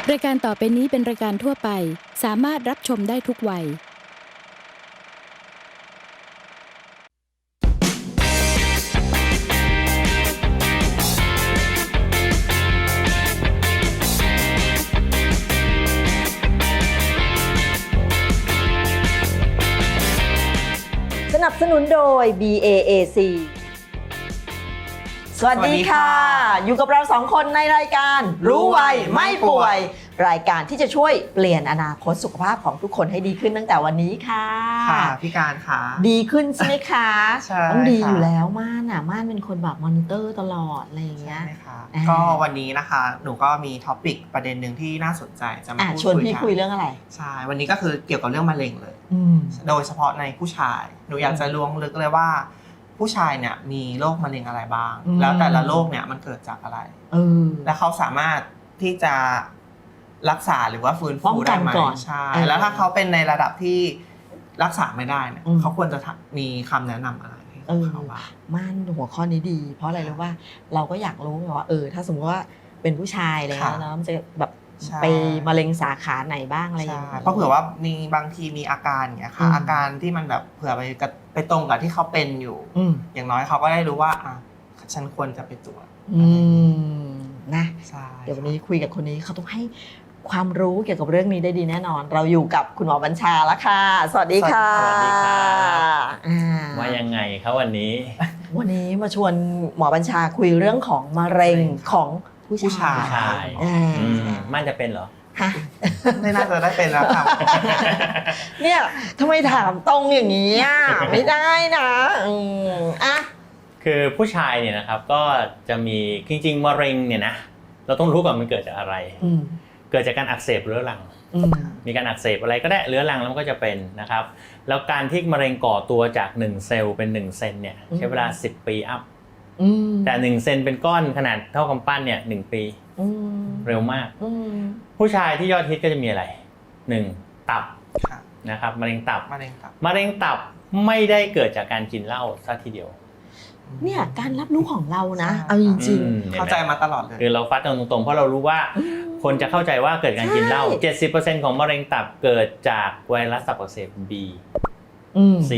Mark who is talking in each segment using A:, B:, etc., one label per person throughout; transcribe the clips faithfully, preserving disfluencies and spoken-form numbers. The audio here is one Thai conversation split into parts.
A: รายการต่อไปนี้เป็นรายการทั่วไปสามารถรับชมได้ทุกวัย
B: สนับสนุนโดย บี เอ เอ ซี สวัสดีค่ะ อยู่กับเราสองคนในรายการรู้ไวไม่ป่วยรายการที่จะช่วยเปลี่ยนอนาคตสุขภาพของทุกคนให้ดีขึ้นตั้งแต่วันนี้ค่ะ
C: ค่ะพี่การค่ะ
B: ดีขึ้นใช่ไหมคะ
C: ใช่
B: ต้องดีอยู่แล้วม่านอ่ะม่านเป็นคนแบบมอนิเตอร์ตลอดอะไรอย่างเงี้ย
C: ใช่ค่ะก็วันนี้นะคะหนูก็มีท็อปิกประเด็นหนึ่งที่น่าสนใจจะมาพูดคุยกัน
B: ชวนพี่คุยเรื่องอะไร
C: ใช่วันนี้ก็คือเกี่ยวกับเรื่องมะเร็งเลยโดยเฉพาะในผู้ชายหนูอยากจะล้วงลึกเลยว่าผู้ชายเนี่ยมีโรคมะเร็งอะไรบ้างแล้วแต่ละโรคเนี่ยมันเกิดจากอะไรและเขาสามารถที่จะรักษาหรือว่าฟื้นฟูได้ไหมใช่แล้วถ้าเขาเป็นในระดับที่รักษาไม่ได้เนี่ยเขาควรจะมีคำแนะนำอะไรให้เขาบ้าง
B: ม่านหัวข้อนี้ดีเพราะอะไรรู้ว่าเราก็อยากรู้ว่าเออถ้าสมมติว่าเป็นผู้ชายแล้วเนาะมันจะแบบไปมะเร็งสาขาไหนบ้างอะไรอย่างเงี้ย
C: เพราะเผื่อว่ามีบางทีมีอาการอย่างเงี้ยค่ะอาการที่มันแบบเผื่อไปไปตรงกับที่เขาเป็นอยู่อย่างน้อยเขาก็ได้รู้ว่าอ่ะฉันควรจะไปตรวจ
B: นะเดี๋ยววันนี้คุยกับคนนี้เขาต้องให้ความรู้เกี่ยวกับเรื่องนี้ได้ดีแน่นอนเราอยู่กับคุณหมอบัญชาแล้วค่ะสวัสดีค่ะ
D: สวัสดีครับว่ายังไงครับวันนี้
B: วันนี้มาชวนหมอบัญชาคุยเรื่องของมะเร็งของผู้ชาย
D: มันจะเป็นเหรอ
C: ไม่น่าจะได้เป็นแล้วครับ
B: เนี่ยทำไมถามตรงอย่างนี้อ่ะไม่ได้นะอ่ะ
D: คือผู้ชายเนี่ยนะครับก็จะมีจริงๆมะเร็งเนี่ยนะเราต้องรู้ก่อนมันเกิดจากอะไรเกิดจากการอักเสบเรื้อรังมีการอักเสบอะไรก็ได้เรื้อรังแล้วมันก็จะเป็นนะครับแล้วการที่มะเร็งก่อตัวจากหนึ่งเซลล์เป็นหนึ่งเซนเนี่ยใช้เวลาสิบปีอัพแต่หนึ่งเซนเป็นก้อนขนาดเท่ากำปั้นเนี่ยหนึ่งปีเร็วมากผู้ชายที่ยอดฮิตก็จะมีอะไรหนึ่งตับนะครับมะเร็งตับ
C: มะเร็งตับ
D: มะเร็งตับไม่ได้เกิดจากการกินเหล้าซะทีเดียว
B: เนี่ยการรับรู้ของเรานะเอาจริง
C: ๆเข้าใจมาตลอดเลย
D: คือเราฟัดตรงๆเพราะเรารู้ว่าคนจะเข้าใจว่าเกิดการกินเหล้า เจ็ดสิบเปอร์เซ็นต์ ของมะเร็งตับเกิดจากไวรัสตับอักเสบ B สี่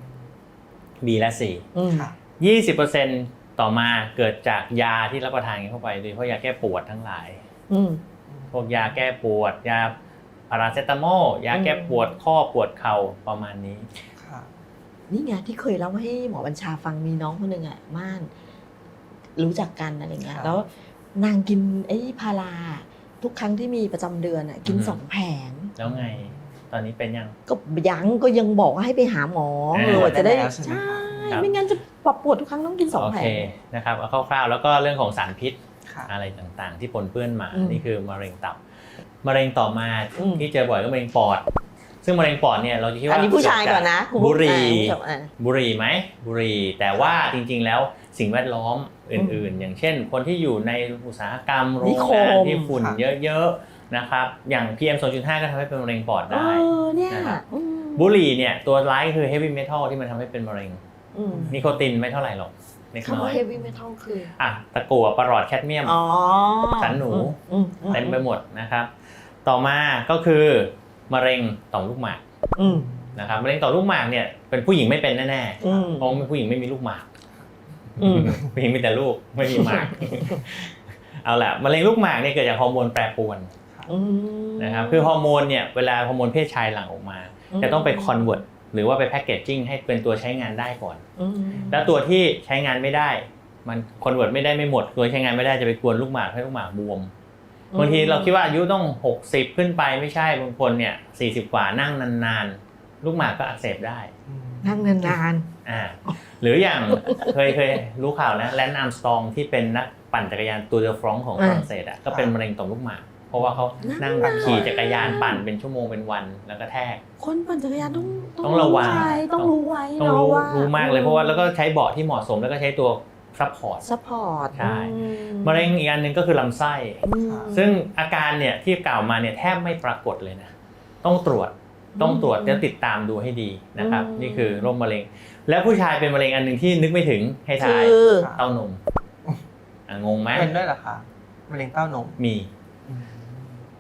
D: B และ C ยี่สิบเปอร์เซ็นต์ ต่อมาเกิดจากยาที่รับประทานเข้าไปโดยเฉพาะยาแก้ปวดทั้งหลายพวกยาแก้ปวดยาพาราเซตามอลยาแก้ปวดข้อปวดเข่าประมาณนี้
B: นี่ไงที่เคยเล่าให้หมอบัญชาฟังมีน้องคนหนึ่งอ่ะม่านรู้จักกันอะไรเงี้ยแล้วนางกินไอ้พาราทุกครั้งที่มีประจำเดือนอ่ะกินสองแผง
D: แล้วไงตอนนี้เป็นยัง
B: ก็ยังก็ยังบอกว่าให้ไปหาหมอเออจะได้ใช่ไม่งั้นจะปวดปวดทุกครั้งต้องกินสองแผง
D: โอเคนะครับเอาคร่าวๆแล้วก็เรื่องของสารพิษอะไรต่างๆที่ปนเปื้อนมานี่คือมะเร็งตับมะเร็งต่อมาที่เจอบ่อยก็มะเร็งปอดซึ่งมะเร็งปอดเนี่ยเราจะคิดว่า
B: อันนี้ผู้ชายก่อนนะ
D: บุหรี่บุหรี่ไหมบุหรี่แต่ว่าจริงๆแล้วสิ่งแวดล้อมอื่นๆอย่างเช่นคนที่อยู่ในอุตสาหกรรมโรงงานที่ฝุ่นเยอะๆนะครับอย่าง พี เอ็ม สองจุดห้า ก็ทำให้เป็นมะเร็งปอดได้นะครับบุหรี่เนี่ยตัวร้ายคือเฮฟวี่เมทัลที่มันทำให้เป็นมะเร็งนิโคตินไม่เท่าไหร่หรอก
B: คำว่าเฮฟวี่เมทัลคือ
D: อ่ะตะกั่วปรอดแคดเมียมสันหนูเต็มไปหมดนะครับต่อมาก็คือมะเร็งต่อมลูกหมากนะครับมะเร็งต่อมลูกหมากเนี่ยเป็นผู้หญิงไม่เป็นแน่ๆเพราะผู้หญิงไม่มีลูกหมากผู้หญิงมีแต่ลูกไม่มีหมากเอาล่ะมะเร็งลูกหมากเนี่ยเกิดจากฮอร์โมนแปรปรวนนะครับคือฮอร์โมนเนี่ยเวลาฮอร์โมนเพศชายหลั่งออกมาจะต้องไปคอนเวิร์ตหรือว่าไปแพคเกจจิ้งให้เป็นตัวใช้งานได้ก่อนแล้วตัวที่ใช้งานไม่ได้มันคอนเวิร์ตไม่ได้ไม่หมดตัวใช้งานไม่ได้จะไปกวนลูกหมากให้ลูกหมากบวมบางทีเราคิดว่าอายุต้องหกสิบขึ้นไปไม่ใช่บางคนเนี่ยสี่สิบกว่านั่งนานๆลูกหมากก็อักเสบได้
B: นั่งนาน
D: ๆอ่าหรืออย่างเคยเคยรู้ข่าวนะแลนซ์อาร์มสตรองที่เป็นนักปั่นจักรยานตูร์เดอฟรองซ์ของฝรั่งเศสอ่ะก็เป็นมะเร็งต่อมลูกหมากเพราะว่าเขานั่งขี่จักรยานปั่นเป็นชั่วโมงเป็นวันแล้วก็แทก
B: คนปั่นจักรยานต้อง
D: ต้องระวัง
B: ต้องรู้ไว้
D: ต้องรู้รู้มากเลยเพราะว่าแล้วก็ใช้เบาะที่เหมาะสมแล้วก็ใช้ตัวซัพพอร์ต
B: ซัพพอร์ต
D: ใช่มะเร็งอีกอันนึงก็คือลำไส้ซึ่งอาการเนี่ยที่กล่าวมาเนี่ยแทบไม่ปรากฏเลยนะต้องตรวจต้องตรวจแล้วติดตามดูให้ดีนะครับนี่คือโรคมะเร็งแล้วผู้ชายเป็นมะเร็งอันนึงที่นึกไม่ถึงให้ทายเต้านมงงไหม
C: เป็นด้วยเหรอคะมะเร็งเต้านม
D: มี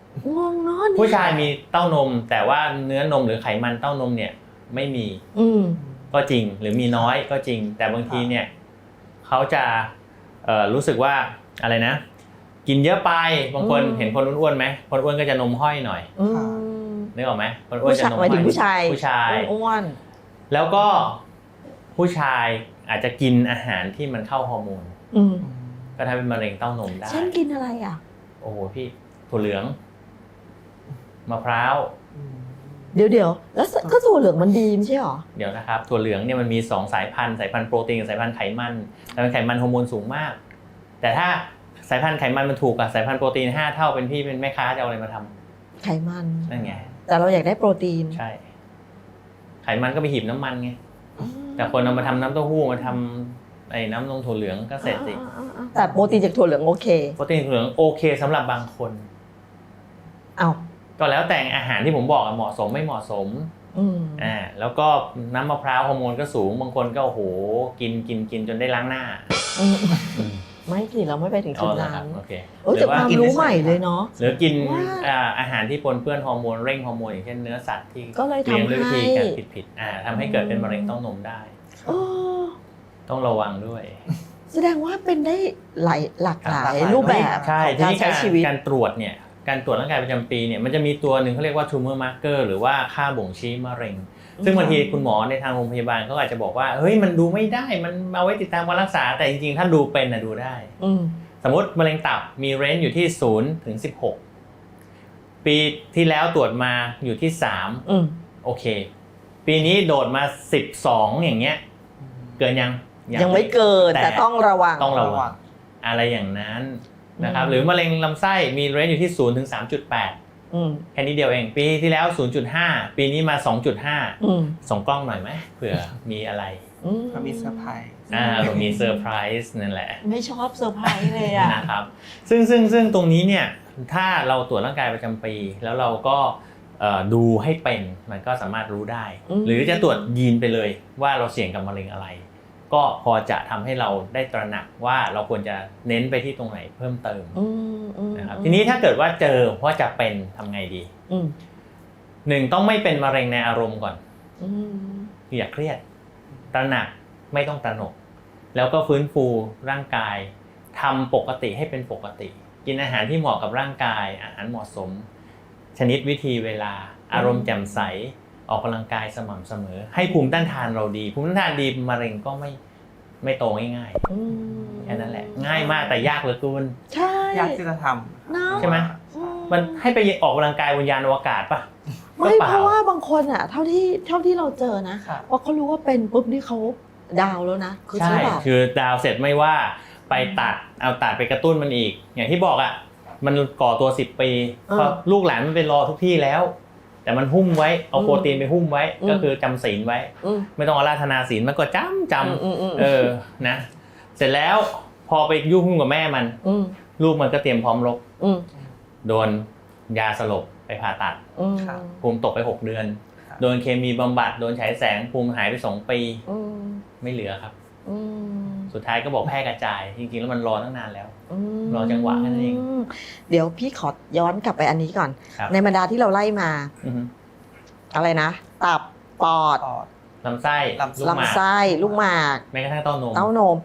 B: งงเนาะเนี่ย
D: ผู้ชายมีเต้านมแต่ว่าเนื้อนมหรือไขมันเต้านมเนี่ยไม่มี
B: อืม
D: ก็จริงหรือมีน้อยก็จริง แต่บางทีเนี่ยเขาจะเอ่อรู้สึกว่าอะไรนะ กินเยอะไปบางคน
B: อืม
D: เห็นคนอ้วนๆไหมคนอ้วนก็จะนมห้อยหน่อย
B: อืม
D: นึกออกไหมคนอ้วนจะนม
B: หมายถึงผู้ชาย
D: ผู้ชาย
B: อ้วน
D: แล้วก็ผู้ชายอาจจะกินอาหารที่มันเข้าฮอร์โมน
B: ๆอืม
D: ก็ทำเป็นมะเร็งเต้านมได้
B: เช่นกินอะไรอ่ะ
D: โอ้โหพี่ถั่วเหลืองมะพร้าว
B: เดี๋ยวเดี๋ยวแล้วก็ถั่วเหลืองมันดีไม่ใช่หรอ
D: เดี๋ยวนะครับถั่วเหลืองเนี่ยมันมีสองสายพันธุ์สายพันธุ์โปรตีนกับสายพันธุ์ไขมันสายพันธุ์ไขมันฮอร์โมนสูงมาก แต่ถ้าสายพันธุ์ไขมันมันถูกกับสายพันธุ์โปรตีนห้าเท่าเป็นพี่เป็นแม่ค้าจะเอาอะไรมาทำ
B: ไขมัน
D: นั่นไง
B: แต่เราอยากได้โปรตีน
D: ใช่ ไขมันก็ไปหีบน้ำมันไง
B: อืม
D: แต่คนเอามาทำน้ำเต้าหู้มาทำไอ้น้ำนมถั่วเหลืองก็เสร็จสิ
B: อ่าๆๆแต่โปรตีนจากถั่วเหลืองโอเค
D: โปรตีนถั่วเหลืองโอเคสำหรับบางคน
B: เอา
D: ก็แล้วแต่อาหารที่ผมบอกอะเหมาะสมไม่เหมาะสม
B: อืม
D: อ่าแล้วก็น้ำมะพร้าวฮอร์โมนก็สูงบางคนก็โอ้โหกินกินกินจนได้ล้างหน้า
B: อืมไม่สิเราไม่ไปถึงจุด
D: อ๋อเหรอ
B: นั้
D: ครับ
B: น
D: โอเค
B: โอ้ยแต่ความรู้ใหม่เลยเนาะ
D: หรือกิน
B: ว่า
D: อ่าอาหารที่ปนเปื้อนฮอร์โมนเร่งฮอร์โมนอย่างเช่นเนื้อสัตว์ที่
B: ก็เลย
D: เลี้ยง
B: ทำ
D: ด้วยวิ
B: ให้
D: ธีการผิดๆอ่าทำให้เกิดเป็นมะเร็งเต้านมได้
B: เออ
D: ต้องระวังด้วย
B: แสดงว่าเป็นได้หลายหลากหลาย
C: หลากหลาย
B: รูปแบบ
D: ใช่
B: ของ
D: ที
B: การ
D: นี้
B: ใช้
D: การ
B: ชีวิต
D: การตรวจเนี่ยการตรวจร่างกายประจำปีเนี่ยมันจะมีตัวหนึ่งเขาเรียกว่า tumor marker หรือว่าค่าบ่งชี้มะเร็ง ซึ่งบางทีคุณหมอในทางโรงพยาบาลเขาอาจจะบอกว่าเฮ้ยมันดูไม่ได้มันเอาไว้ติดตามการรักษาแต่จริงๆถ้าดูเป็นนะดูได้
B: อืม
D: สมมติมะเร็งตับมีเรนจ์อยู่ที่ศูนย์ถึงสิบหกปีที่แล้วตรวจมาอยู่ที่สาม
B: อืม
D: โอเคปีนี้โดดมาสิบสองอย่างเงี้ยเกินยัง
B: ยังไม่เกินแต่ต้องระวัง
D: ต้องระวังอะไรอย่างนั้นนะครับ
B: อืม
D: หรือมะเร็งลำไส้มีเรนจ์อยู่ที่ศูนย์ถึงสามจุดแปด
B: อืม
D: แค่นี้เดียวเองปีที่แล้ว ศูนย์จุดห้า ปีนี้มา สองจุดห้า
B: อืม
D: ส่งกล้องหน่อยไหมเผื่อมีอะไร
B: อืม
C: ก็มีเซอร์ไพรส์
D: อ่าผมมีเซอร์ไพรส์นั่นแหละ
B: ไม่ชอบเซอร์ไพรส์เลยอ่ะ
D: นะครับซึ่งซึ่งซึ่งตรงนี้เนี่ยถ้าเราตรวจร่างกายประจำปี แล้วเราก็เอ่อดูให้เป็นมันก็สามารถรู้ได้
B: อืม
D: หรือจะตรวจยีนไปเลยว่าเราเสี่ยงกับมะเร็งอะไร ก็พอจะทำให้เราได้ตระหนักว่าเราควรจะเน้นไปที่ตรงไหนเพิ่มเติม
B: อืมอืม
D: นะครับทีนี้ถ้าเกิดว่าเจอว่าจะเป็นทำไงดี
B: อืม
D: หนึ่งต้องไม่เป็นมะเร็งในอารมณ์ก่อน
B: อืม
D: อย่าเครียดตระหนักไม่ต้องตระหนก แล้วก็ฟื้นฟูร่างกายทำปกติให้เป็นปกติ กินอาหารที่เหมาะกับร่างกายอาหารเหมาะสม ชนิดวิธีเวลาอารมณ์แจ่มใสออกกำลังกายสม่ำเสมอ ให้ภูมิต้านทานเราดี ภูมิต้านทานดีมะเร็งก็ไม่ไม่โตง่าย
B: อืม
D: ๆแค่นั้นแหละ ง่ายมากแต่ยากเหลือเกิน
B: ใช่
C: ยากที่จะทำ
B: เนาะ
D: ใช่ไหม
B: อืม
D: มันให้ไปออกกำลังกายบนยานอวกาศปะ
B: ไม่
D: ก็ปล่
B: เพราะว่าบางคนอ่ะ เท่าที่เท่าที่เราเจอนะ
C: ค่ะ
B: พอเขารู้ว่าเป็นปุ๊บนี่เขาดาวน์แล้วนะคือ
D: ใช่
B: ใช่ป่ะ
D: คือดาวเสร็จไม่ว่าไปตัดเอาตัดไปกระตุ้นมันอีก อย่างที่บอกอ่ะมันก่อตัวสิบปีเพราะลูกหลานมันไปรอทุกที่แล้ว แต่มันหุ้มไว้เอาโปรตีนไปหุ้มไว้ก็คือจำศีลไว้
B: อืม
D: ไม่ต้องอาราธนาศีลมันก็จำจ
B: อืมอืมอืม
D: ำเออนะ เสร็จแล้วพอไปยุ่งหุ้มกับแม่มัน
B: อืม
D: ลูกมันก็เตรียมพร้อมรบ
B: อืม
D: โดนยาสลบไปผ่าตัด
B: อืม
C: ครับ
D: ภูมิตกไปหกเดือน
C: ครับ
D: โดนเคมีบำบัดโดนฉายแสงภูมิหายไปสองปี
B: อืม
D: ไม่เหลือครับ
B: อืม
D: สุดท้ายก็บอกแพร่กระจาย จริงๆแล้วมันรอตั้งนานแล้ว
B: ม
D: รอจังหวะแค่นั้นเอง
B: เดี๋ยวพี่ขอย้อนกลับไปอันนี้ก่อน
D: ครับ
B: ในบรรดาที่เราไล่มา
D: อือฮึ
B: อะไรนะ ตับปอด
C: ปอด
D: ลำไส้
C: ลำ
D: ลูกหมาก
B: ลำไส้ลูกหมาก
D: แม้กระทั่งเต้านม
B: เต้านม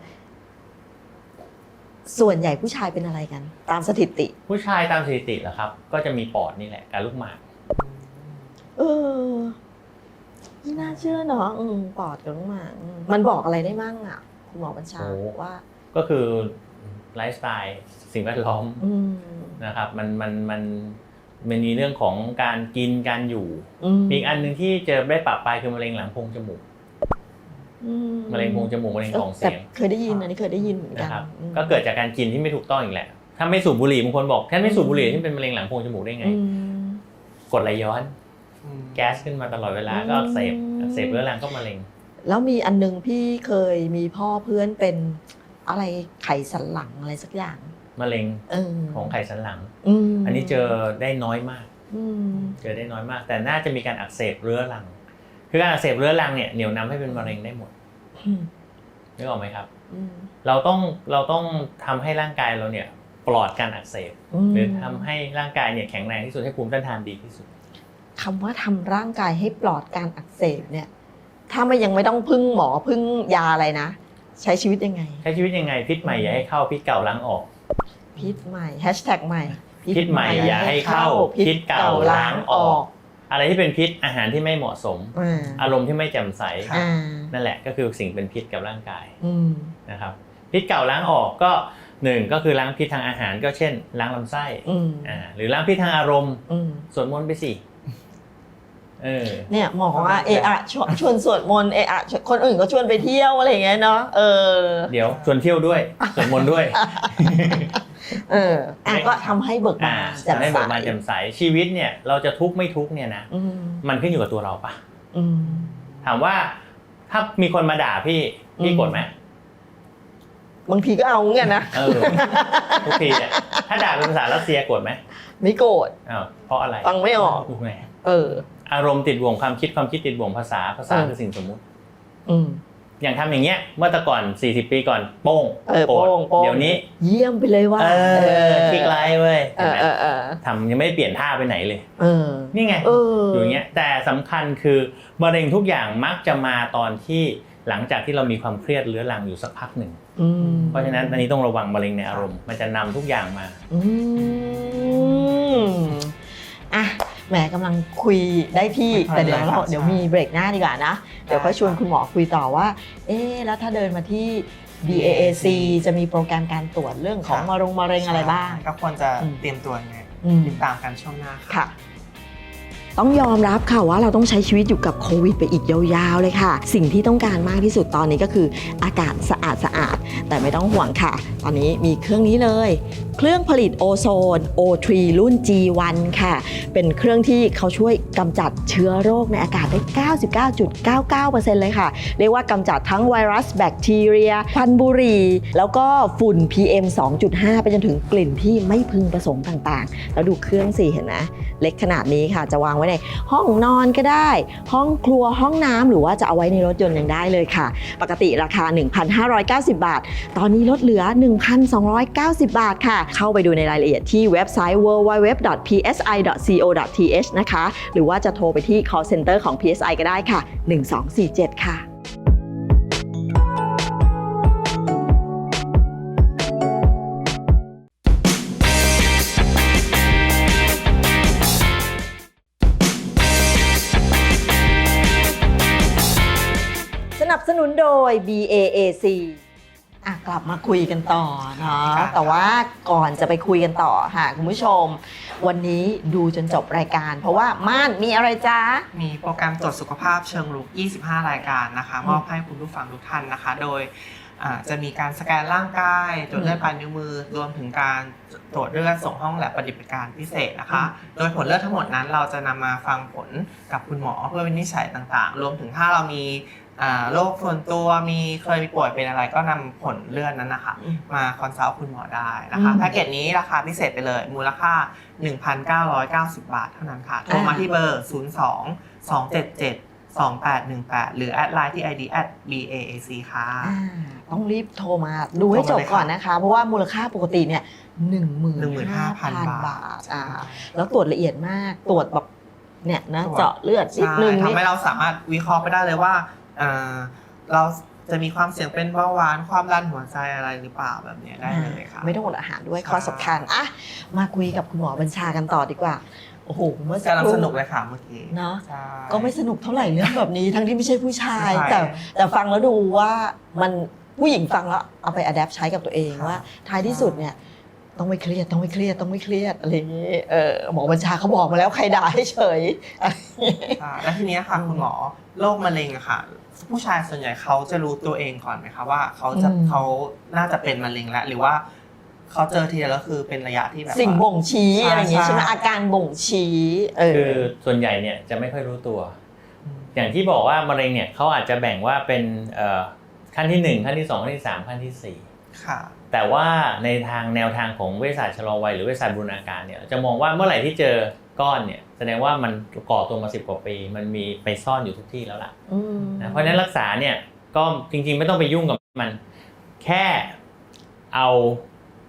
B: ส่วนใหญ่ผู้ชายเป็นอะไรกัน ตามสถิติ
D: ผู้ชายตามสถิติเหรอครับ ก็จะมีปอดนี่แหละกับลูกหมาก
B: เออไม่น่าเชื่อเนาะอืมปอดกับลูกหมากอืมมันบอกอะไรได้มั่งอ่ะ คุณหมอบัญชา
D: โอ้
B: ว่า
D: ก็คือไลฟ์สไตล์สิ่งแวดล้อม
B: อืม
D: นะครับมันมันมันมันมีเรื่องของการกินการอยู่
B: อืม
D: มีอีกอันหนึ่งที่เจอได้ปรับไปคือมะเร็งหลังโพรงจมูก
B: อื
D: มะเร็งโพรงจมูกมะเร็งกล่อง
B: แต่
D: เสียง
B: เคยได้ยินอันนี้เคยได้ยินเหมือนกัน
D: นะครับ
B: อืม
D: ก็เกิดจากการกินที่ไม่ถูกต้องอีกแหละถ้าไม่สูบบุหรี่บางคนบอกท่านไม่สูบบุหรี่ที่เป็นมะเร็งหลังโพรงจมูกได้ไง
B: อืม
D: กรดไหลย้อน
C: อืม
D: แก๊สขึ้นมาตลอดเวลาก็อักเสบ
B: อืม
D: อักเสบเรื้อรังก็มะเร็ง
B: แล้วมีอันนึงพี่เคยมีพ่อเพื่อนเป็นอะไรไขสันหลังอะไรสักอย่าง
D: มะเร็ง
B: เออ
D: ของไขสันหลัง
B: ม
D: อันนี้เจอได้น้อยมาก
B: อืม
D: เจอได้น้อยมาก แต่น่าจะมีการอักเสบเรื้อรัง คือการอักเสบเรื้อรังเนี่ยเหนี่ยวนำให้เป็นมะเร็งได้หมด
B: อืม
D: นึกออกไหมครับ
B: อืม
D: เราต้องเราต้องทำให้ร่างกายเราเนี่ยปลอดการอักเสบหรือทำให้ร่างกายเนี่ยแข็งแรงที่สุดให้ภูมิต้านทานดีที่สุด
B: คำว่าทำร่างกายให้ปลอดการอักเสบเนี่ยถ้าไม่ยังไม่ต้องพึ่งหมอพึ่งยาอะไรนะใช้ชีวิตยังไง
D: ใช้ชีวิตยังไงพิษใหม่อย่าให้เข้าพิษเก่าล้างออก
B: พิษใหม่แฮชแท็กใหม่
D: พิษใหม่อย่าให้เข้าพิษเก่าล้างออกอะไรที่เป็นพิษอาหารที่ไม่เหมาะสมอารมณ์ที่ไม่แจ่มใสนั่นแหละก็คือสิ่งเป็นพิษกับร่างกายนะครับพิษเก่าล้างออกก็หนึ่งก็คือล้างพิษทางอาหารก็เช่นล้างลำไส้อ่าหรือล้างพิษทางอารมณ์สวดมนต์ไปสิเออ
B: เนี่ยหมอว่าเออะชวนสวดมนต์เออะคนอื่นก็ชวนไปเที่ยวอะไรอย่างเงี้ยเนาะเออ
D: เดี๋ยวชวนเที่ยวด้วยสวดมนต์ด้วย
B: เอออ่ะก็ทำให้เบิกบาน
D: แจ่มใสให้เบิกบานแจ่มใสชีวิตเนี่ยเราจะทุกข์ไม่ทุกข์เนี่ยนะมันขึ้นอยู่กับตัวเราปะถามว่าถ้ามีคนมาด่าพี่พี่โกรธไหม
B: บางทีก็เอาเงี้ยนะ
D: เออทุกทีเนี่ยถ้าด่าเป็นภาษารัสเซียโกรธไหม
B: ไม่โกรธ
D: อ้าวเพราะอะไร
B: ฟังไม่ออก
D: ถูกไหม
B: เออ
D: อารมณ์ติดบ่วงความคิดความคิดติดบ่วงภาษาภาษาคือสิ่งสมมุติอืมอย่างทำอย่างเงี้ยเมื่อแต่ก่อนสี่สิบปีก่อนโป้ง
B: โป้ง
D: เดี๋ยวนี้
B: เยี่ยมไปเลยว่า
D: เออคลิกไลค์เว้ยทำยังไม่เปลี่ยนท่าไปไหนเลยนี่ไงอยู่อย่างเงี้ยแต่สำคัญคือมะเร็งทุกอย่างมักจะมาตอนที่หลังจากที่เรามีความเครียดเรื้อรังอยู่สักพักหนึ่งเพราะฉะนั้นอันนี้ต้องระวังมะเร็งในอารมณ์มันจะนำทุกอย่างมา
B: อืมอ่ะแหมกำลังคุยได้ที่แต่เดี๋ยวเราเดี๋ยวมีเบรกหน้าดีกว่านะเดี๋ยวค่อยชวนคุณหมอคุยต่อว่าเอ๊ะแล้วถ้าเดินมาที่ บี เอ เอ ซี จะมีโปรแกรมการตรวจเรื่องของมะเร็งมะเร็งอะไรบ้าง
C: ก็ควรจะเตรียมตัวยังไงติดตามกันช่วงหน้า
B: ค่ะต้องยอมรับค่ะว่าเราต้องใช้ชีวิตอยู่กับโควิดไปอีกยาวๆเลยค่ะสิ่งที่ต้องการมากที่สุดตอนนี้ก็คืออากาศสะอาดสะอาดแต่ไม่ต้องห่วงค่ะตอนนี้มีเครื่องนี้เลยเครื่องผลิตโอโซน โอ ทรี รุ่น จี วัน ค่ะเป็นเครื่องที่เขาช่วยกำจัดเชื้อโรคในอากาศได้ เก้าสิบเก้าจุดเก้าเก้าเปอร์เซ็นต์ เลยค่ะเรียกว่ากำจัดทั้งไวรัสแบคทีเรียควันบุหรี่แล้วก็ฝุ่น พี เอ็ม สองจุดห้า ไปจนถึงกลิ่นที่ไม่พึงประสงค์ต่างๆแล้วดูเครื่องสิเห็นไหมเล็กขนาดนี้ค่ะจะวางไว้ในห้องนอนก็ได้ห้องครัวห้องน้ำหรือว่าจะเอาไว้ในรถยนต์ยังได้เลยค่ะปกติราคา หนึ่งพันห้าร้อยเก้าสิบบาทตอนนี้ลดเหลือ หนึ่งพันสองร้อยเก้าสิบบาทค่ะเข้าไปดูในรายละเอียดที่เว็บไซต์ ดับเบิลยู ดับเบิลยู ดับเบิลยู ดอท พี เอส ไอ ดอท ซี โอ ดอท ที เอช นะคะหรือว่าจะโทรไปที่ call center ของ พี เอส ไอ ก็ได้ค่ะหนึ่งสองสี่เจ็ดค่ะสนับสนุนโดย บี เอ เอ ซี อ่ะกลับมาคุยกันต่อเนาะแต่ว่าก่อนจะไปคุยกันต่อค่ะคุณผู้ชมวันนี้ดูจนจบรายการเพราะว่าม่านมีอะไรจ๊ะ
C: มีโปรแกรมตรวจสุขภาพเชิงรุกยี่สิบห้ารายการนะคะมอบให้คุณผู้ฟังทุกท่านนะคะโดยจะมีการสแกนร่างกายตรวจเลือดปลายนิ้วมือรวมถึงการตรวจเลือดส่งห้องแลบปฏิบัติการพิเศษนะคะโดยผลเลือดทั้งหมดนั้นเราจะนำมาฟังผลกับคุณหมอเพื่อวินิจฉัยต่างๆรวมถึงถ้าเรามีโรคส่วนตัวมีเคยป่วยเป็นอะไรก็นำผลเลือดนั้นนะคะมาคอนซัลท์คุณหมอได้นะคะแพ็กเกจนี้ราคาพิเศษไปเลยมูลค่า หนึ่งพันเก้าร้อยเก้าสิบ บาทเท่านั้นค่ะโทรมาที่เบอร์ ศูนย์ สอง สอง เจ็ด เจ็ด สอง แปด หนึ่ง แปด หรือแอดไลน์ที่ ไอ ดี แอท บี เอ เอ ซี ค่ะ
B: ต้องรีบโทรมาดูให้จบก่อนนะคะเพราะว่ามูลค่าปกติเนี่ย หนึ่งหมื่นห้าพัน บาทอ่าแล้วตรวจละเอียดมากตรวจแบบเนี่ยนะเจาะเลือดนิดนึง
C: ทำให้เราสามารถวิเคราะห์ไปได้เลยว่าเราจะมีความเสี่ยงเป็นเบาหวานความดันหัวใจอะไรหรือเปล่าแบบนี้ได้เลยค่ะ
B: ไม่ต้องอดอาหารด้วยข้อสำคัญอ่ะมาคุยกับคุณหมอบัญชากันต่อดีกว่าโอ้โห
C: เมื่อสักครู่สนุกเลยค่ะเมื่อกี้
B: เนาะก็ไม่สนุกเท่าไหร่เรื่องแบบนี้ทั้งที่ไม่ใช่ผู้ชายแต่แต่ฟังแล้วดูว่ามันผู้หญิงฟังแล้วเอาไปอัดแอปใช้กับตัวเองว่าท้ายที่สุดเนี่ยต้องไม่เครียดต้องไม่เครียดต้องไม่เครียดอะไรอย่างนี้เออหมอบัญชาเขาบอกมาแล้วใครด่าให้เฉย
C: แล้วทีนี้ค่ะคุณหมอโรคมะเร็งอะค่ะผู้ชายส่วนใหญ่เขาจะรู้ตัวเองก่อนไหมคะว่าเขาจะเขาน่าจะเป็นมะเร็งแล้วหรือว่าเขาเจอทีแล้วคือเป็นระยะที่แบบ
B: สิ่งบ่งชี้อะไรอย่างงี้ใช่ไหมอาการบ่งชี้
D: คือส่วนใหญ่เนี่ยจะไม่ค่อยรู้ตัวอย่างที่บอกว่ามะเร็งเนี่ยเขาอาจจะแบ่งว่าเป็นขั้นที่หนึ่งขั้นที่สองขั้นที่สามขั้นที่สี่
C: ค่ะ
D: แต่ว่าในทางแนวทางของเวชศาสตร์ชะลอวัยหรือเวชศาสตร์บูรณาการเนี่ยจะมองว่าเมื่อไหร่ที่เจอก้อนเนี่ยแสดงว่ามันก่อตัวมาสิบกว่าปีมันมีไปซ่อนอยู่ทุกที่แล้วล่ะนะเพราะฉะนั้นรักษาเนี่ยก็จริงๆไม่ต้องไปยุ่งกับมันแค่เอา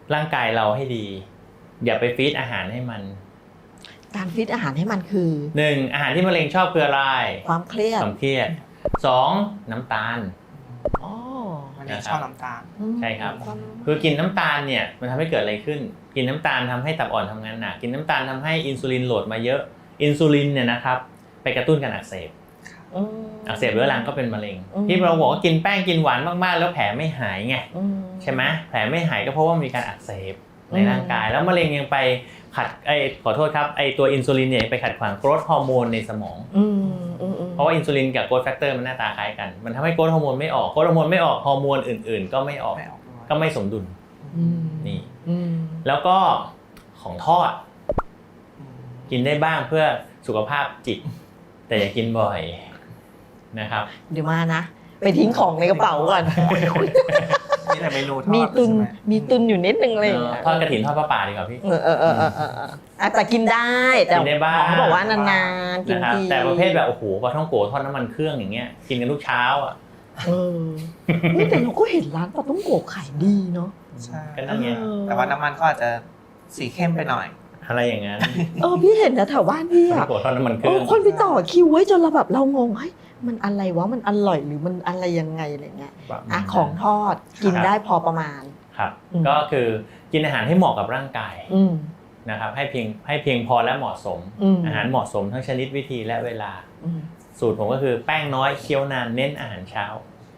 D: ร่างกายเราให้ดีอย่าไปฟีดอาหารให้มัน
B: การฟีดอาหารให้มันคือ
D: หนึ่งอาหารที่มะเร็งชอบคืออะไร
B: ความเครียด
D: ความเครียดสองน้ำตาล
B: อ๋อ
C: มะเร็งชอบน้ำตาล
D: ใช่ครับคือกินน้ำตาลเนี่ยมันทำให้เกิดอะไรขึ้นกินน้ำตาลทำให้ตับอ่อนทำงานหนักกินน้ำตาลทำให้อินซูลินโหลดมาเยอะอินซูลินเนี่ยนะครับไปกระตุ้นการอักเสบอักเสบเรื้อรังก็เป็นมะเร็งที่เราบอกว่ากินแป้งกินหวานมากๆแล้วแผลไม่หายไงใช่ไหมแผลไม่หายก็เพราะว่ามีการอักเสบในร่างกายแล้วมะเร็งยังไปขัดไอขอโทษครับไอตัวอินซูลินเนี่ยไปขัดขวางโกรทฮอร์โมนในสมองเพราะว่าอินซูลินกับโกรทแฟกเตอร์มันหน้าตาคล้ายกันมันทำให้โกรทฮอร์โมนไม่ออกโกรทฮอร์โมนไม่ออกฮอร์โมนอื่นๆก็ไม่ออกก็ไม่สมดุลนี่แล้วก็ของทอดกินได้บ้างเพื่อสุขภาพจิตแต่อย่ากินบ่อยนะครับ
B: เดี๋ยวมานะไปทิ้งของในกระเป๋าก่อน
C: มีแต่เมนูทอด
B: มีตุนมีตุนอยู่นิดนึงเลย
D: ทอดกระถิ่นทอดปลาป่าดีกว่าพี่
B: เออเออเออเออเออแต่กินได้แต่เขาบอกว่านานๆกินที
D: แต่ประเภทแบบโอ้โหปลาท่องโกทอดน้ำมันเครื่องอย่างเงี้ยกินกันทุกเช้าอ่ะ
B: เออแต่เราก็เห็นร้านปลาท่องโกขายดีเนาะ
C: ใช่ก็นั่นไงแต่ว่าน้ำมันก็อาจจะสีเข้มไปหน่อย
D: อะไรอย่างนั้น
B: เออพี่เห็นนะแถวบ้านพี่อ่ะ
D: โกทอดน้ำมันเครื่อง
B: คนไปต่อคิวไว้จนเราแบบเรางงเฮ้ยมันอะไรวะมันอร่อยหรือมันอะไรยังไงอะไรเงี้ยอ่ะของทอดกินได้พอประมาณ
D: ครับก็คือกินอาหารให้เหมาะกับร่างกายนะครับให้เพียงให้เพียงพอและเหมาะสมอาหารเหมาะสมทั้งชนิดวิธีและเวลาสูตรผมก็คือแป้งน้อยเคี้ยวนานเน้นอาหารเช้า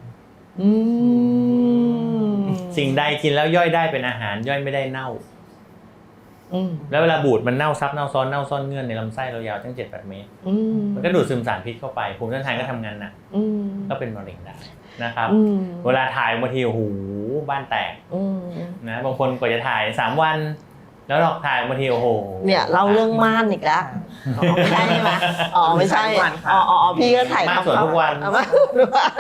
D: สิ่งใดกินแล้วย่อยได้เป็นอาหารย่อยไม่ได้เน่าแล้วเวลาบูดมันเน่าซับเน่าซ้อนเน่าซ่อนเงื่อนในลำไส้เรายาวตั้ง เจ็ดถึงแปด เมตรมันก็ดูดซึมสารพิษเข้าไปภูมิต้านทานก็ทำงานหนักก็เป็นมะเร็งได้นะครับเวลาถ่ายบางทีโอ้โหบ้านแตกนะบางคนกว่าจะถ่ายสามวันแล้วเราถ่ายบางทีโอ้โห
B: เนี่ยเล่าเรื่องม่านอีกแล้วไม่ใช่ไหมอ๋อไม่ใช่อ๋ออ๋อพี่ก็ถ่าย
D: ม่านสดทุกวัน
B: ม่านทุกวัน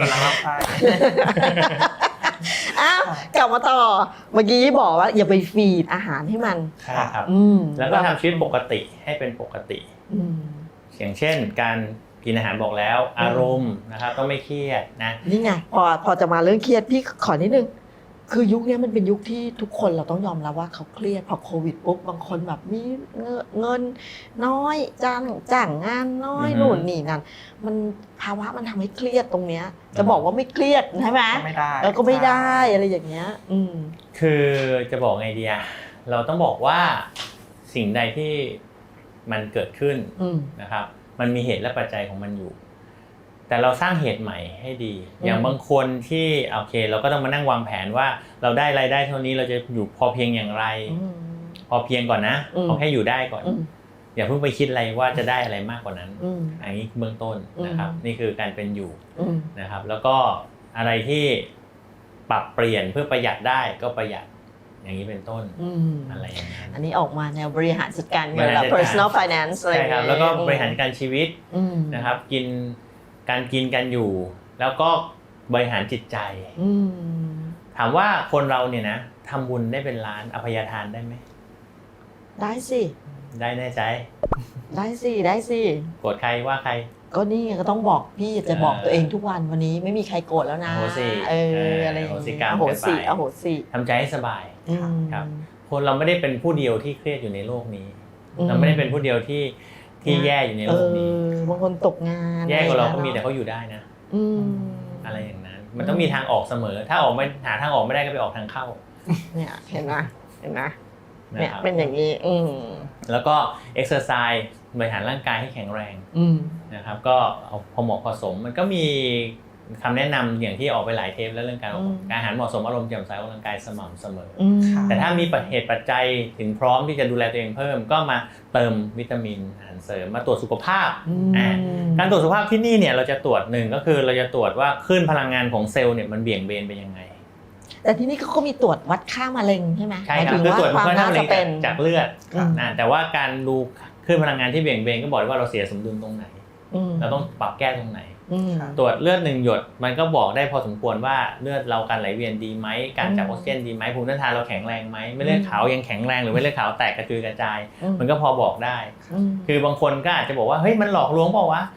B: อ้าวกลับมาต่อเมื่อกี้บอกว่าอย่าไปฟีดอาหารให้มัน
D: ใช่ครับแล้วก็ทำชีวิตปกติให้เป็นปกติอย่างเช่นการกินอาหารบอกแล้วอารมณ์นะครับต้องไม่เครียดนะ
B: นี่ไงพอพอจะมาเรื่องเครียดพี่ขอนิดนึงคือยุคนี้มันเป็นยุคที่ทุกคนเราต้องยอมรับว่าเขาเครียดพอโควิดปุ๊บบางคนแบบมีเงินน้อยจ้างจ้างงานน้อยนู่นนี่นั่นมันภาวะมันทำให้เครียดตรงเนี้ยจะบอกว่าไม่เครียดใช่ไหม
C: ไม่ได้
B: แล้วก็ไม่ได้อะไรอย่างเงี้ยอืม
D: คือจะบอกไงดีอะเราต้องบอกว่าสิ่งใดที่มันเกิดขึ้นนะครับมันมีเหตุและปัจจัยของมันอยู่แต่เราสร้างเหตุใหม่ให้ดีอย่างบางคนที่โอเคเราก็ต้องมานั่งวางแผนว่าเราได้รายได้เท่านี้เราจะอยู่พอเพียงอย่างไรพอเพียงก่อนนะเอาแค่อยู่ได้ก่อนอย่าเพิ่งไปคิดอะไรว่าจะได้อะไรมากกว่านั้นอันนี้เบื้องต้นนะครับนี่คือการเป็นอยู่นะครับแล้วก็อะไรที่ปรับเปลี่ยนเพื่อประหยัดได้ก็ประหยัดอย่างนี้เป็นต้นอะไรอย่างนั้น
B: อันนี้ออกมาแนวบริหารจัดการเงินแบบ personal finance อะไรอย่างเงี้ย
D: ใช่ครับแล้วก็บริหารการชีวิตนะครับกินการกินกันอยู่แล้วก็บริหารจิตใจถามว่าคนเราเนี่ยนะทำบุญได้เป็นล้านอภัยทานได้ไหม
B: ได้สิ
D: ได้แน่ใจ
B: ได้สิได้สิ
D: โกรธใครว่าใคร
B: ก็นี่ก็ต้องบอกพี่จะบอกตัวเองทุกวันวันนี้ไม่มีใครโกรธแล้วนะเอออะไรอย่างเงี้ยโหสิโหสิ
D: ทำใจให้สบายครับคนเราไม่ได้เป็นผู้เดียวที่เครียดอยู่ในโลกนี้เราไม่ได้เป็นผู้เดียวที่ที่แย่อยู่ในโลกนี้
B: บางคนตกงาน
D: แย่กว่าเราก็มีแต่เขาอยู่ได้นะอะไรอย่างนั้นมันต้องมีทางออกเสมอถ้าออกไม่หาทางออกไม่ได้ก็ไปออกทางเข้า
B: เนี่ยเห็นไหมเห็นไหมเนี่ยเป็นอย่างนี้
D: แล้วก็เอ็กซ์เซอร์ไซส์บริหารร่างกายให้แข็งแรงนะครับก็เอาพอเหมาะพอสมมันก็มีคำแนะนำอย่างที่ออกไปหลายเทปแล้วเรื่องการการอาหารเหมาะสมอารมณ์แจ่มใสออกกำลังกายสม่ำเสมอแต่ถ้ามีเหตุปัจจัยถึงพร้อมที่จะดูแลตัวเองเพิ่มก็มาเติมวิตามินอาหารเสริมมาตรวจสุขภาพการตรวจสุขภาพที่นี่เนี่ยเราจะตรวจหนึ่งก็คือเราจะตรวจว่าคลื่นพลังงานของเซลล์เนี่ยมันเบี่ยงเบนไปยังไง
B: แต่ที่นี่เขาก็มีตรวจวัดค่ามะเร็งใช่ไหม
D: ใช่ครับคือตรวจค่ามะเร็งจากเลือดแต่ว่าการดูคลื่นพลังงานที่เบี่ยงเบนก็บอกว่าเราเสียสมดุลตรงไหนเราต้องปรับแก้ตรงไหนตรวจเลือดหนึ่งหยดมันก็บอกได้พอสมควรว่าเลือดเราการไหลเวียนดีไหมการจับออกซิเจนดีไหมภูมิต้านทานเราแข็งแรงไหมไม่เลือดขาวยังแข็งแรงหรือไม่เลือดขาวแตกกระจุยกระจายมันก็พอบอกได้คือบางคนก็อาจจะบอกว่าเฮ้ยมันหลอกลวงเปล่าวะ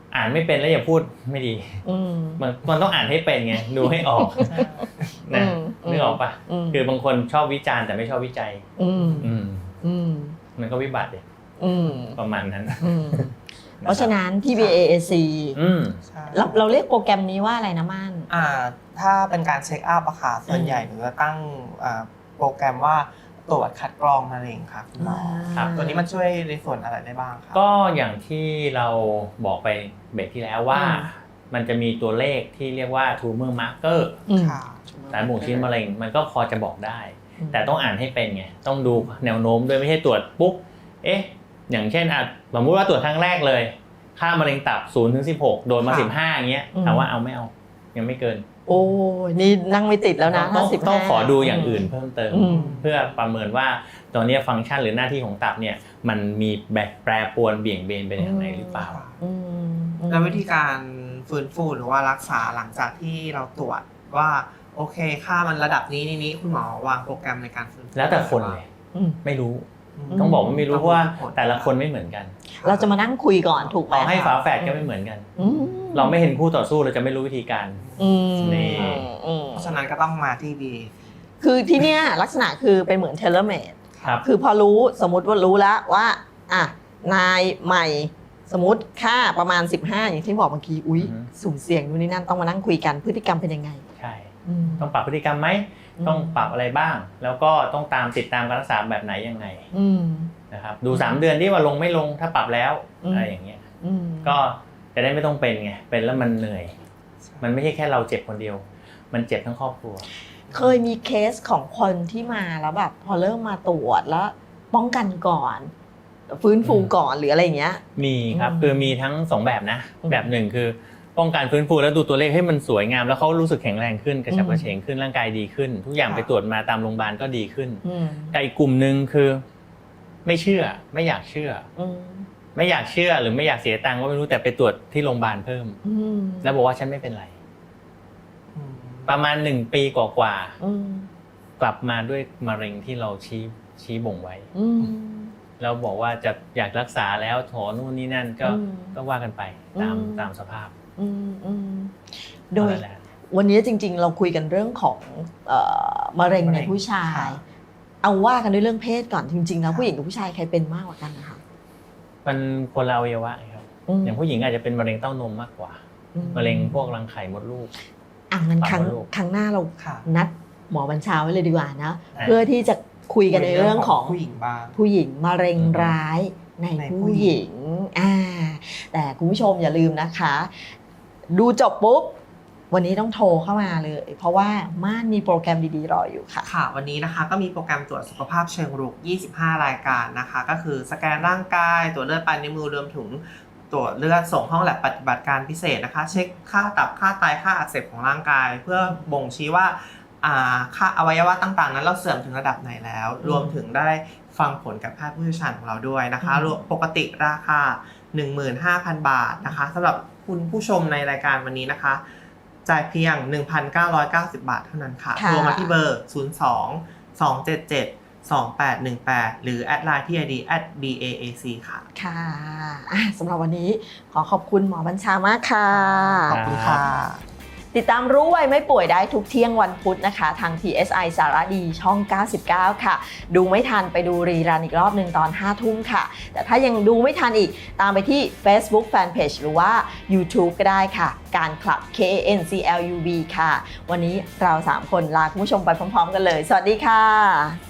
D: อ่านไม่เป็นแล้วอย่าพูดไม่ดีมันมันต้องอ่านให้เป็นไงดูให้ออกนะนึกออกปะคือบางคนชอบวิจารณ์แต่ไม่ชอบวิจัยมันก็วิบัติเลยประมาณนั้น
B: เพราะฉะนั้นที่ บี เอ เอ ซี เราเราเรียกโปรแกรมนี้ว่าอะไรนะม่าน
C: อ่าถ้าเป็นการเช็คอัพอะค่ะส่วนใหญ่หนูจะตั้งโปรแกรมว่าตรวจคัดกรองมะเร็งค่ะคุณหมอตัวนี้มันช่วยในส่วนอะไรได้บ้างครับ
D: ก็อย่างที่เราบอกไปเบรกที่แล้วว่ามันจะมีตัวเลขที่เรียกว่า tumor marker สารบ่งชี้มะเร็งมันก็พอจะบอกได้แต่ต้องอ่านให้เป็นไงต้องดูแนวโน้มด้วยไม่ใช่ตรวจปุ๊บเอ๊ะอย่างเช่นอ่ะสมมติว่าตรวจครั้งแรกเลยค่ามะเร็งตับศูนย์ถึงสิบหกโดนมาสิบห้าอย่างเงี้ยถามว่าเอาไม่เอายังไม่เกิน
B: โอ้นี่นั่งไม่ติดแล้วนะ
D: ต้องต้องขอดูอย่างอื่นเพิ่มเติมเพื่อประเมินว่าตอนนี้ฟังก์ชันหรือหน้าที่ของตับเนี่ยมันมีแบบแปรปรวนเบี่ยงเบนไปทางไหนหรือเปล่า
C: แล้ววิธีการฟื้นฟูหรือว่ารักษาหลังจากที่เราตรวจว่าโอเคค่ามันระดับนี้นี้คุณหมอวางโปรแกรมในการฟื้นฟู
D: แล้วแต่คนเลยไม่รู้ต้องบอกว่าไม่รู้เพราะว่าแต่ละคนไม่เหมือนกัน
B: เราจะมานั่งคุยก่อนถูกไหม
D: ให้ฝาแฝดก็ไม่เหมือนกันเราไม่เห็นคู่ต่อสู้เราจะไม่รู้วิธีการ
C: นี่เพราะฉะนั้นก็ต้องมาที่ดี
B: คือที่เนี้ยลักษณะคือเป็นเหมือนเทเลเมดคือพอรู้สมมติว่ารู้แล้วว่าอ่ะนายใหม่สมมติค่าประมาณสิบห้าอย่างที่บอกเมื่อกี้อุ้ยสุ่มเสี่ยงนู่นนี่นั่นต้องมานั่งคุยกันพฤติกรรมเป็นยังไง
D: ใช่ต้องปรับพฤติกรรมไหมต้องปรับอะไรบ้างแล้วก็ต้องตามติดตามการรักษาแบบไหนยังไงนะครับดูสามเดือนที่ว่าลงไม่ลงถ้าปรับแล้วอะไรอย่างเงี้ยก็จะได้ไม่ต้องเป็นไงเป็นแล้วมันเหนื่อยมันไม่ใช่แค่เราเจ็บคนเดียวมันเจ็บทั้งครอบครัว
B: เคยมีเคสของคนที่มาแล้วแบบพอเริ่มมาตรวจแล้วป้องกันก่อนฟื้นฟูก่อนหรืออะไรอย่างเงี้ย
D: มีครับคือมีทั้งสองแบบนะแบบหนึ่งคือป้องกันฟื้นฟูแล้วดูตัวเลขให้มันสวยงามแล้วเขารู้สึกแข็งแรงขึ้นกระฉับกระเฉงขึ้นร่างกายดีขึ้นทุกอย่างไปตรวจมาตามโรงพยาบาลก็ดีขึ้นแต่อีกกลุ่มนึงคือไม่เชื่อไม่อยากเชื่อไม่อยากเชื่อหรือไม่อยากเสียตังค์ก็ไม่รู้แต่ไปตรวจที่โรงพยาบาลเพิ่มแล้วบอกว่าฉันไม่เป็นไรประมาณหนึ่งปีกว่าๆกลับมาด้วยมะเร็งที่เราชี้ชี้บ่งไว้แล้วบอกว่าจะอยากรักษาแล้วถอนนู่นนี่นั่นก็ก็ว่ากันไปตามตามสภาพ
B: โดยวันนี้จริงๆเราคุยกันเรื่องของมะเร็งในผู้ชายเอาว่ากันด้วยเรื่องเพศก่อนจริงๆแล้วผู้หญิงกับผู้ชายใครเป็นมากกว่ากันนะคะ
D: มันคนละอวัยวะครับอย่างผู้หญิงอาจจะเป็นมะเร็งเต้านมมากกว่ามะเร็งพวกรังไข่มดลูก
B: อ่ะงั้นครั้งครั้งหน้าเรานัดหมอบัญชาไว้เลยดีกว่านะเพื่อที่จะคุยกันในเรื่องของ
C: ผู้หญิงบ้าง
B: ผู้หญิงมะเร็งร้ายในผู้หญิงอ่าแต่คุณผู้ชมอย่าลืมนะคะดูจบปุ๊บวันนี้ต้องโทรเข้ามาเลยเพราะว่าม่านมีโปรแกรมดีๆรออยู่ค่ะ
C: ค่ะวันนี้นะคะก็มีโปรแกรมตรวจสุขภาพเชิงรุกยี่สิบห้ารายการนะคะก็คือสแกนร่างกายตรวจเลือดปลายนิ้วมือรวมถึงตรวจเลือดส่งห้องแลบปฏิบัติการพิเศษนะคะเช็คค่าตับค่าไตค่าอักเสบของร่างกายเพื่อบ่งชี้ว่าค่าอวัยวะต่างๆนั้นเราเสื่อมถึงระดับไหนแล้วรวมถึงได้ฟังผลกับแพทย์ผู้เชี่ยวชาญของเราด้วยนะคะปกติราคา หนึ่งหมื่นห้าพัน บาทนะคะสำหรับคุณผู้ชมในรายการวันนี้นะคะจ่ายเพียง หนึ่งพันเก้าร้อยเก้าสิบบาทเท่านั้นค่ะโทรมาที่เบอร์ศูนย์ สอง สอง เจ็ด เจ็ด สอง แปด หนึ่ง แปดหรือแอดไลน์ที่ ไอ ดี แอท บี เอ เอ ซี ค่ะ
B: ค่ะสำหรับวันนี้ขอขอบคุณหมอบัญชามากค่ะ
C: ขอบคุณค่ะ
B: ติดตามรู้ไวไม่ป่วยได้ทุกเที่ยงวันพุธนะคะทาง ที เอส ไอ สารดีช่องเก้าสิบเก้าค่ะดูไม่ทันไปดูรีรันอีกรอบหนึ่งตอนห้าทุ่มค่ะแต่ถ้ายังดูไม่ทันอีกตามไปที่ Facebook Fanpage หรือว่า YouTube ก็ได้ค่ะการคลับ เค เอ เอ็น ซี แอล ยู บี ค่ะวันนี้เราสามคนลาคุณผู้ชมไปพร้อมๆกันเลยสวัสดีค่ะ